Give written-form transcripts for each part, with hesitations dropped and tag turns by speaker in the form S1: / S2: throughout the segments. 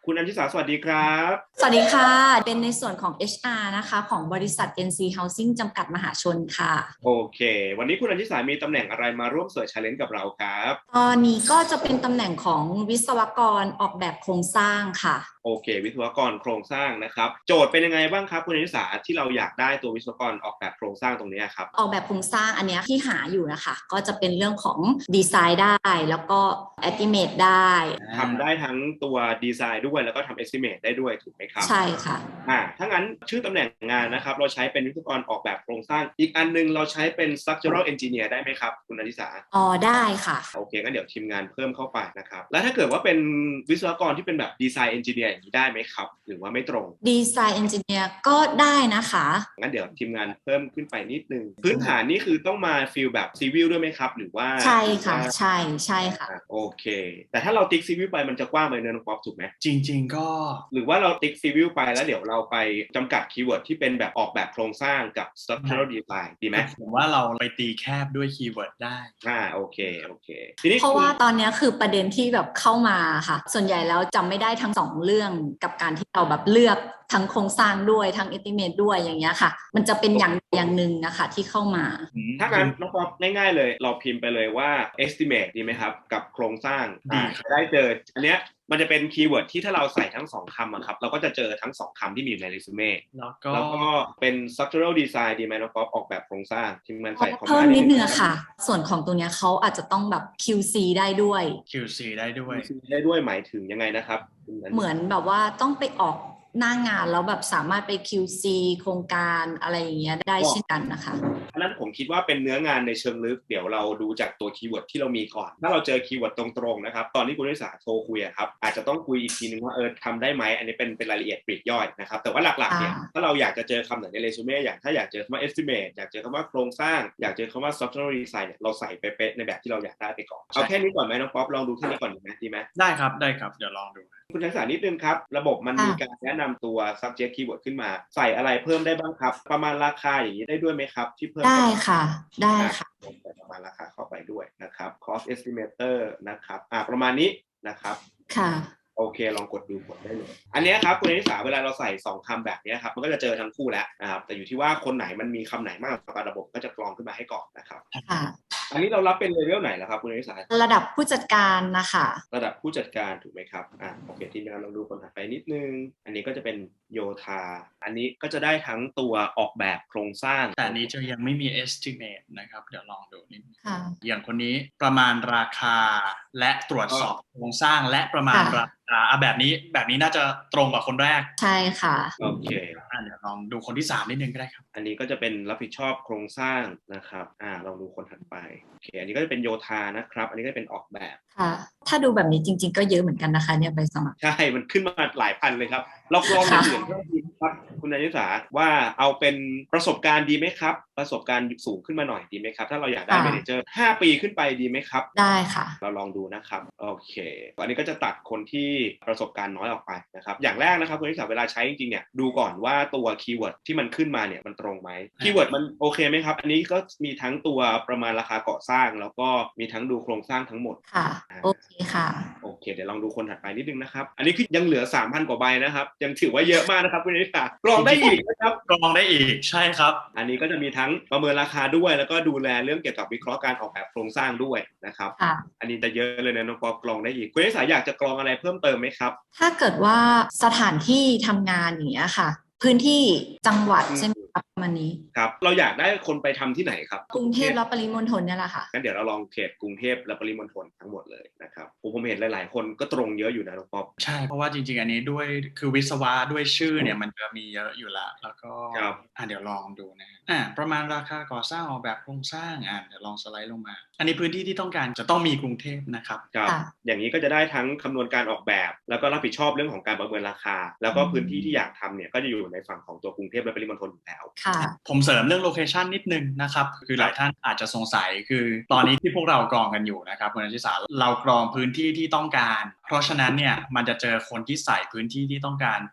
S1: คุณอัญชิสาสวัสดีครับ
S2: สวัสดีค่ะ เป็นในส่วนของ HR นะคะของบริษัท NC Housing จำกัดมหาชนค่ะ
S1: โอเควันนี้คุณอัญชิสามีตำแหน่งอะไรมาร่วมเสิร์ชแชเลนจ์กับเราครับ
S2: ตอนนี้ก็จะเป็นตำแหน่งของวิศวกรออกแบบโครงสร้างค่ะ
S1: โอเควิศวกรโครงสร้างนะครับโจทย์เป็นยังไงบ้างครับคุณอัญชิสาที่เราอยากได้ตัววิศวกรออกแบบโครงสร้างตรงนี้ครับ
S2: ออกแบบโครงสร้างอันเนี้ยที่หาอยู่นะคะก็จะเป็นเรื่องของดีไซน์ได้แล้วก็ estimate ได้
S1: ทำได้ทั้งตัวดีไซน์ด้วยแล้วก็ทำ estimate ได้ด้วยถูกไหมครับ
S2: ใช่ค่ะ
S1: ถ้างั้นชื่อตำแหน่งงานนะครับเราใช้เป็นวิศวกรออกแบบโครงสร้างอีกอันนึงเราใช้เป็น structural engineer ได้ไหมครับคุณอัญชิสา
S2: อ๋อได้ค่ะ
S1: โอเคงั้นเดี๋ยวทีมงานเพิ่มเข้าไปนะครับแล้วถ้าเกิดว่าเป็นวิศวกรที่เป็นแบบดีไซน์เอนจิเนียร์อย่างนี้ได้ไหมครับหรือว่าไม่ตรง
S2: ดีไซน์เอนจิเนียร์ก็ได้นะคะ
S1: งั้นเดี๋ยวทีมงานเพิ่มขึ้นไปนิดนึงพื้นฐานนี่คือต้องมาฟีลแบบซีวิลด้วยไหมครับหรือว่า
S2: ใช่ค่ะใช่ค่ะ
S1: โอเคแต่ถ้าเราติ๊กซีวิลไปมันจะกว้างไปเนินป๊อปถูกไหม
S3: จริงๆก็
S1: หรือว่าเราติ๊กซีวิลไปแล้วเดี๋ยวเราไปจำกัดคีย์เวิร์ดที่เป็นแบบออกแบบโครงสร้างกับ structural design ดีไหม
S3: ผมว่าเราไปตีแคบด้วยคีย์เวิร์ดได้
S1: โอเคทีนี้
S2: เพราะว่าตอนนี้คือประเด็นที่แบบเข้ามาค่ะส่วนใหญ่แล้วจำไม่ได้ทั้งสองเรื่องกับการที่เราแบบเลือกทั้งโครงสร้างด้วยทั้ง estimate ด้วยอย่างเงี้ยค่ะมันจะเป็นอย่างหนึ่งนะคะที่เข้ามา
S1: ถ้างั้นน้องป๊อปง่ายๆเลยเราพิมพ์ไปเลยว่า estimate ดีไหมครับกับโครงสร้างจะได้เจออันเนี้ยมันจะเป็นคีย์เวิร์ดที่ถ้าเราใส่ทั้งสองคำอะครับเราก็จะเจอทั้งสองคำที่มีอยู่ในเรซูเม่แล้วก็เป็น structural design ดีไหมน้องป๊อปออกแบบโครงสร้างที่มันใส่คอม
S2: เพิ่
S1: มา
S2: มนิดนึงค่ะส่วนของตรงนี้เขาอาจจะต้องแบบ QC ได้ด้วย
S3: QC ได้ด้วย
S1: ได้ด้วยหมายถึงยังไงนะครับ
S2: เหมือนแบบว่าต้องไปออกหน้างานแล้วแบบสามารถไป QC โครงการอะไรอย่างเงี้ยได้เช่นกันนะคะ
S1: อันนั้นผมคิดว่าเป็นเนื้องานในเชิงลึกเดี๋ยวเราดูจากตัวคีย์เวิร์ดที่เรามีก่อนถ้าเราเจอคีย์เวิร์ดตรงๆนะครับตอนที่คุณนิสาโทรคุยครับอาจจะต้องคุยอีกทีนึงว่าทำได้ไหมอันนี้เป็นรายละเอียดปลีกย่อยนะครับแต่ว่าหลักๆเนี่ยถ้าเราอยากจะเจอคำไหนในเรซูเม่ถ้าอยากเจอคำว่า estimate อยากเจอคำว่าโครงสร้างอยากเจอคำว่า structural design เนี่ยเราใส่เป๊ะๆในแบบที่เราอยากได้ไปก่อนเอาแค่นี้ก่อนไหมน้องป๊อปลองดูแค่นี้ก่อนดีไหม
S3: ได้ครับเดี๋ยวลองดู
S1: คุณทักษะนิดนึงครับระบบมันมีการแนะนำตัว subject keyword ขึ้นมาใส่อะไรเพิ่มได้บ้างครับประมาณราคาอย่างนี้ได้ด้วยไหมครับที่เพิ่ม
S2: ได้ค่ะได้ค่ะ
S1: ใส่ประมาณราคาเข้าไปด้วยนะครับ cost estimator นะครับประมาณนี้นะครับ
S2: ค่ะ
S1: โอเคลองกดดูกดได้เลยอันนี้ครับคุณนิสาเวลาเราใส่2คำแบบนี้ครับมันก็จะเจอทั้งคู่แล้วนะครับแต่อยู่ที่ว่าคนไหนมันมีคำไหนมากกว่าระบบก็จะกรองขึ้นมาให้ก่อนนะครับ
S2: ค่ะ
S1: อันนี้เรารับเป็นเลเวลไหนแล้วครับคุณนิสา
S2: ระดับผู้จัดการนะคะ
S1: ระดับผู้จัดการถูกไหมครับโอเคทีนี้เราดูคนถัดไปนิดนึงอันนี้ก็จะเป็นโยธาอันนี้ก็จะได้ทั้งตัวออกแบบโครงสร้าง
S3: แต่นี้จะยังไม่มี estimate นะครับเดี๋ยวลองดูนิด
S2: ค่ะ
S3: อย่างคนนี้ประมาณราคาและตรวจสอบโครงสร้างและประมาณราคาแบบนี้น่าจะตรงกับคนแรก
S2: ใช่ค่ะ
S1: โอเค
S3: เดี๋ยวลองดูคนที่3นิดนึงก็ได้ครับ
S1: อันนี้ก็จะเป็นรับผิดชอบโครงสร้างนะครับลองดูคนถัดไปโอเคอันนี้ก็จะเป็นโยธานะครับอันนี้ก็จะเป็นออกแบบ
S2: ค่ะถ้าดูแบบนี้จริงๆก็เยอะเหมือนกันนะคะเนี่ยใบสมัคร
S1: ใช่มันขึ้นมาหลายพันเลยครับเราลองเปลี่ยนเพิ่มดีครับคุณนันทิสาว่าเอาเป็นประสบการณ์ดีไหมครับประสบการณ์สูงขึ้นมาหน่อยดีไหมครับถ้าเราอยากได้เมเนเจอร์5 ปีขึ้นไปดีไหมครับ
S2: ได้ค่ะ
S1: เราลองดูนะครับโอเคอันนี้ก็จะตัดคนที่ประสบการณ์น้อยออกไปนะครับอย่างแรกนะครับคุณนันทิสาเวลาใช้จริงๆเนี่ยดูก่อนว่าตัวคีย์เวิร์ดที่มันขึ้นมาเนี่ยมันตรงไหมคีย์เวิร์ดมันโอเคไหมครับอันนี้ก็มีทั้งตัวประมาณราคาก่อสร้างแล้วก็มีทั้งดูโครงสร้างทั้งหมด
S2: ค่ะโอเคค่ะ
S1: โอเคเดี๋ยวลองดูคนถัดไปนิดนึงนะครับอันนี้คือยังเหลือ 3,000 กว่าใบนะครับยังถือว่าเยอะมากนะครับคุณนิสากรองได้อีกนะครับ
S3: กรองได้อีกใช่ครับ
S1: อันนี้ก็จะมีทั้งประเมินราคาด้วยแล้วก็ดูแลเรื่องเกี่ยวกับวิเคราะห์การออกแบบโครงสร้างด้วยนะครับอันนี้จะเยอะเลยนะน้องป๊อปกรองได้อีกคุณนิสาอยากจะกรองอะไรเพิ่มเติมไหมครับ
S2: ถ้าเกิดว่าสถานที่ทำงานอย่างเงี้ยค่ะพื้นที่จังหวัดใช่ไหมครับประมาณนี้
S1: ครับเราอยากได้คนไปทำที่ไหนครับ
S2: กรุงเทพและปริมณฑลเนี่ยแหละค่ะ
S1: งั้นเดี๋ยวเราลองเขตกรุงเทพและปริมณฑลทั้งหมดเลยนะครับผมเห็นหลายๆคนก็ตรงเยอะอยู่นะน้องป๊อป
S3: ใช่เพราะว่าจริงๆอันนี้ด้วยคือวิศวะด้วยชื่อเนี่ยมันจะมีเยอะอยู่แล้วก็เดี๋ยวลองดูนะประมาณราคาก่อสร้างออกแบบโครงสร้างเดี๋ยวลองสไลด์ลงมาอันนี้พื้นที่ที่ต้องการจะต้องมีกรุงเทพนะครับ
S1: อย่างนี้ก็จะได้ทั้งคำนวณการออกแบบแล้วก็รับผิดชอบเรื่องของการประเมินราคาแล้วก็พื้นที่ที่อยากทำเนี่ยก็จะอยู่ในฝั่งของตัวกรุงเทพและปริมณฑลอยู่แล้ว
S3: ผมเสริมเรื่องโลเคชันนิดนึงนะครับคือหลายท่านอาจจะสงสัยคือตอนนี้ที่พวกเรากรองกันอยู่นะครับคุณอาชิสาเรากรองพื้นที่ที่ต้องการเพราะฉะนั้นเนี่ยมันจะเจอคนที่ใส่พื้นที่ที่ต้องการเป็นกรุง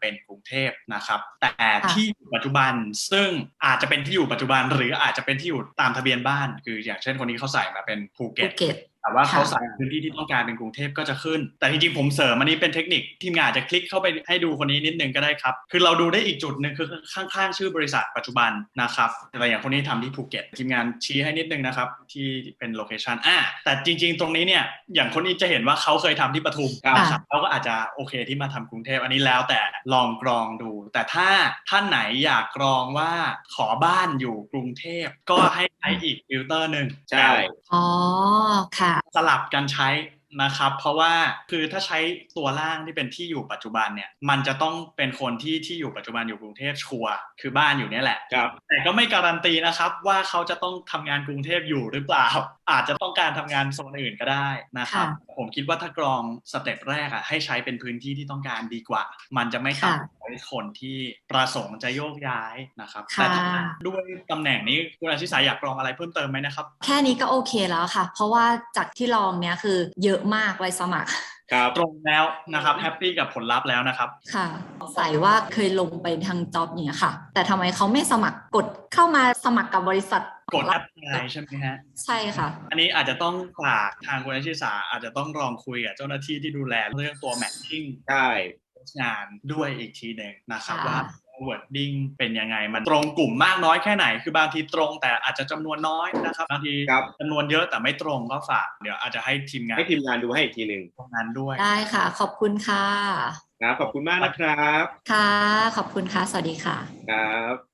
S3: เทพนะครับแต่ที่อยู่ปัจจุบันซึ่งอาจจะเป็นที่อยู่ปัจจุบันหรืออาจจะเป็นที่อยู่ตามทะเบียนบ้านคืออย่างเช่นคนนี้เขาใส่มาเป็นภูเก็ตแต่ว่าเขาใส่พื้นที่ที่ต้องการเป็นกรุงเทพก็จะขึ้นแต่จริงๆผมเสริมอันนี้เป็นเทคนิคทีมงานอาจจะคลิกเข้าไปให้ดูคนนี้นิดนึงก็ได้ครับคือเราดูได้อีกจุดนึงคือข้างๆชื่อบริษัทปัจจุบันนะครับแต่อย่างคนนี้ทำที่ภูเก็ตทีมงานชี้ให้นิดนึงนะครับที่เป็นโลเคชันแต่จริงๆตรงนี้เนี่ยอย่างคนนี้จะเห็นว่าเขาเคยทำที่ปทุมนะครับเขาก็อาจจะโอเคที่มาทำกรุงเทพอันนี้แล้วแต่ลองกรองดูแต่ถ้าท่านไหนอยากกรองว่าขอบ้านอยู่กรุงเทพก็ให้ใช้อีกฟิลเตอร์นึง
S1: ใช่
S2: อ๋อค่ะ
S3: สลับกันใช้นะครับเพราะว่าคือถ้าใช้ตัวล่างที่เป็นที่อยู่ปัจจุบันเนี่ยมันจะต้องเป็นคนที่อยู่ปัจจุบันอยู่กรุงเทพชัวร์คือบ้านอยู่เนี่ยแหละแต่ก็ไม่การันตีนะครับว่าเขาจะต้องทำงานกรุงเทพอยู่หรือเปล่าอาจจะต้องการทำงานโซนอื่นก็ได้นะครับผมคิดว่าถ้ากรองสเต็ปแรกให้ใช้เป็นพื้นที่ที่ต้องการดีกว่ามันจะไม่ตัดคนที่ประสงค์จะโยกย้ายนะครับแต่ด้วยตำแหน่งนี้คุณอาชิสาอยากกรองอะไรเพิ่มเติมไหมนะครับ
S2: แค่นี้ก็โอเคแล้วค่ะเพราะว่าจากที่ลองเนี้ยคือเยอะมากใบสมัคร
S3: ตรงแล้วนะครับแฮปปี้กับผลลัพธ์แล้วนะครับ
S2: ค่ะใส่ว่าเคยลงไปทางจ็อบเนี้ยค่ะแต่ทำไมเขาไม่สมัครกดเข้ามาสมัครกับบริษัท
S3: กดแอปพลายใช่ไหมฮะ
S2: ใช่ค่ะ
S3: อันนี้อาจจะต้องฝากทางคุณอาชิสาอาจจะต้องลองคุยกับเจ้าหน้าที่ที่ดูแลเรื่องตัวแมทชิ่งงานด้วยอีกทีหนึ่งนะครับว่าwording เป็นยังไงมันตรงกลุ่มมากน้อยแค่ไหนคือบางทีตรงแต่อาจจะจำนวนน้อยนะครับบางทีจำนวนเยอะแต่ไม่ตรงก็ฝากเดี๋ยวอาจจะให้ทีมงาน
S1: ดูให้อีกทีนึง
S3: ตรงนั้นด้วย
S2: ได้ค่ะขอบคุณค่ะ
S1: ขอบคุณมากนะครับ
S2: ค่ะขอบคุณค่ะสวัสดีค่ะ
S1: ครับ